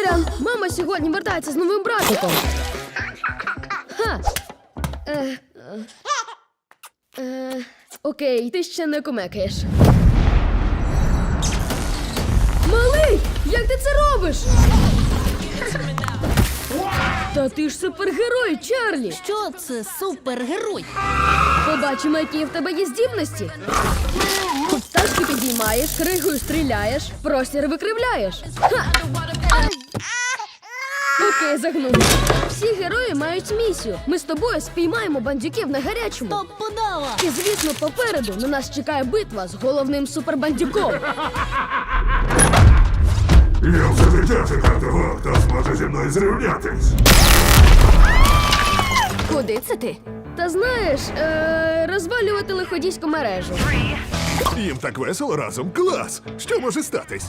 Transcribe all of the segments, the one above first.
Сорян, мама сьогодні вертається з новим братиком. Ха. Окей, ти ще не кумекаєш. Малий, як ти це робиш? Та ти ж супергерой, Чарлі! Що це супергерой? Побачимо, які в тебе є здібності. Тачки підіймаєш, кригою стріляєш, простір викривляєш. Ха! Окей, загнув. Всі герої мають місію. Ми з тобою спіймаємо бандюків на гарячому. Топ подава! І, звісно, попереду на нас чекає битва з головним супербандюком. Я вже дитя чекав того, хто зможе зі мною зрівнятись. Куди це ти? Та знаєш, розвалювати лиходійську мережу. Їм так весело разом. Клас! Що може статись?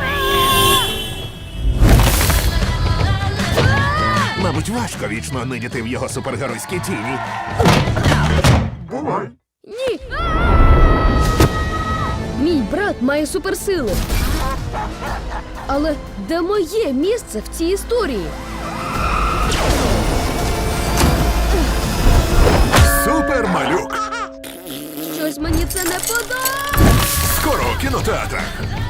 Мабуть, важко вічно нидіти в його супергеройській тіні. Бувай! Ні! Мій брат має суперсили. Але де моє місце в цій історії? Супермалюк! Щось мені це не подобається. Скоро у кінотеатрах!